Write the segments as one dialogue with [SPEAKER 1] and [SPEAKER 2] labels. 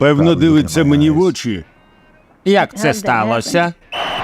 [SPEAKER 1] Певно, дивиться мені в очі.
[SPEAKER 2] Як це сталося?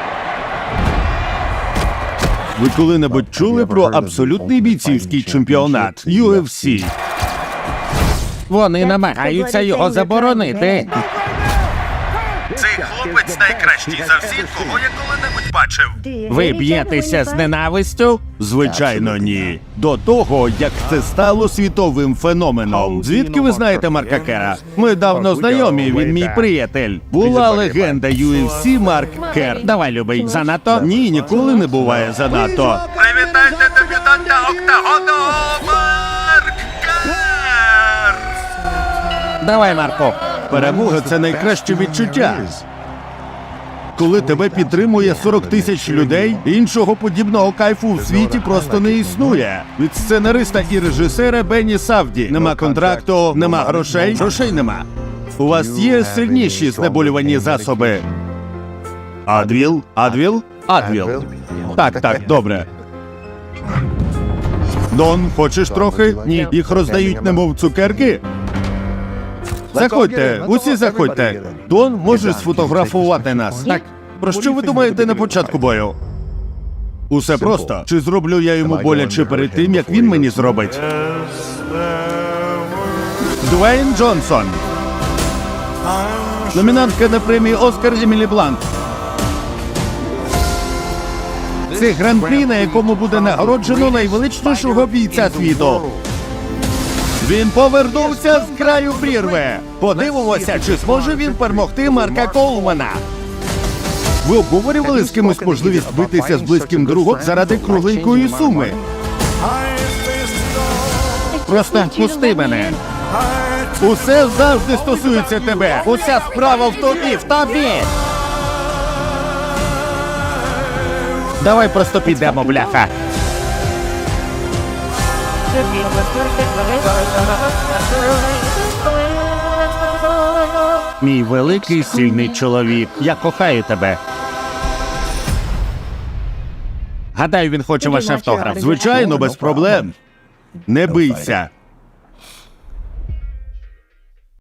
[SPEAKER 1] Ви коли-небудь чули про абсолютний бійцівський чемпіонат UFC?
[SPEAKER 2] Вони намагаються його заборонити.
[SPEAKER 1] Цей хлопець найкращий за всіх, кого я коли-небудь бачив.
[SPEAKER 2] Ви б'єтеся з ненавистю?
[SPEAKER 1] Звичайно, ні. До того, як це стало світовим феноменом. Звідки ви знаєте Марка Кера? Ми давно знайомі, він мій приятель. Була легенда UFC Марк Кер.
[SPEAKER 2] Давай, любий, занадто?
[SPEAKER 1] Ні, ніколи не буває занадто. Привітайте дебютанта Октагону, Марк Кер!
[SPEAKER 2] Давай, Марко.
[SPEAKER 1] Перемога – це найкраще відчуття. Коли тебе підтримує 40 тисяч людей, іншого подібного кайфу в світі просто не існує. Від сценариста і режисера Бенні Савді. Нема контракту, нема грошей. Грошей нема. У вас є сильніші знеболювані засоби? Адвіл? Адвіл? Адвіл. Так, добре. Дон, хочеш трохи? Ні. Їх роздають немов цукерки? Заходьте, усі заходьте. Дон, можеш сфотографувати нас?
[SPEAKER 2] Так.
[SPEAKER 1] Про що ви думаєте на початку бою? Усе просто. Чи зроблю я йому боляче перед тим, як він мені зробить? Дуейн Джонсон. Номінантка на премію «Оскар» Емілі Блант. Це гран-прі, на якому буде нагороджено найвеличнішого бійця світу. Він повернувся з краю прірви. Подивимося, чи зможе він перемогти Марка Коулмана. Ви обговорювали з кимось можливість битися з близьким другом заради кругленької суми?
[SPEAKER 2] Просто пусти мене.
[SPEAKER 1] Усе завжди стосується тебе.
[SPEAKER 2] Уся справа в тобі, в тобі. Давай просто підемо, бляха. Мій великий сильний чоловік, я кохаю тебе. Гадаю, він хоче ваш автограф.
[SPEAKER 1] Звичайно, без проблем. Не бийся.